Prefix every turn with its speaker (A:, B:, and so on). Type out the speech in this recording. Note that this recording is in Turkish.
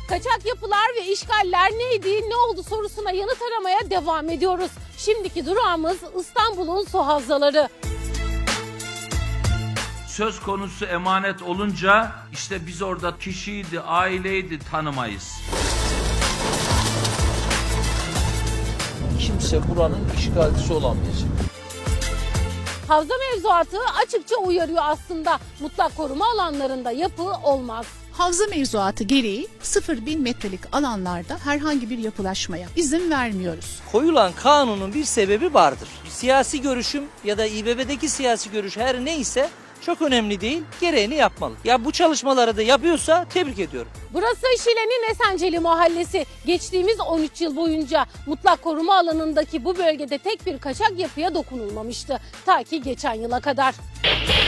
A: Kaçak yapılar ve işgaller neydi, ne oldu sorusuna yanıt aramaya devam ediyoruz. Şimdiki durağımız İstanbul'un su havzaları.
B: Söz konusu emanet olunca işte biz orada kişiydi, aileydi tanımayız.
C: Kimse buranın işgalcisi olamayacak.
A: Havza mevzuatı açıkça uyarıyor aslında. Mutlak koruma alanlarında yapı olmaz.
D: Havza mevzuatı gereği 0.1000 metrelik alanlarda herhangi bir yapılaşmaya izin vermiyoruz.
E: Koyulan kanunun bir sebebi vardır. Siyasi görüşüm ya da İBB'deki siyasi görüş her neyse çok önemli değil, gereğini yapmalı. Ya bu çalışmaları da yapıyorsa tebrik ediyorum.
A: Burası Şile'nin Esenceli Mahallesi. Geçtiğimiz 13 yıl boyunca mutlak koruma alanındaki bu bölgede tek bir kaçak yapıya dokunulmamıştı. Ta ki geçen yıla kadar.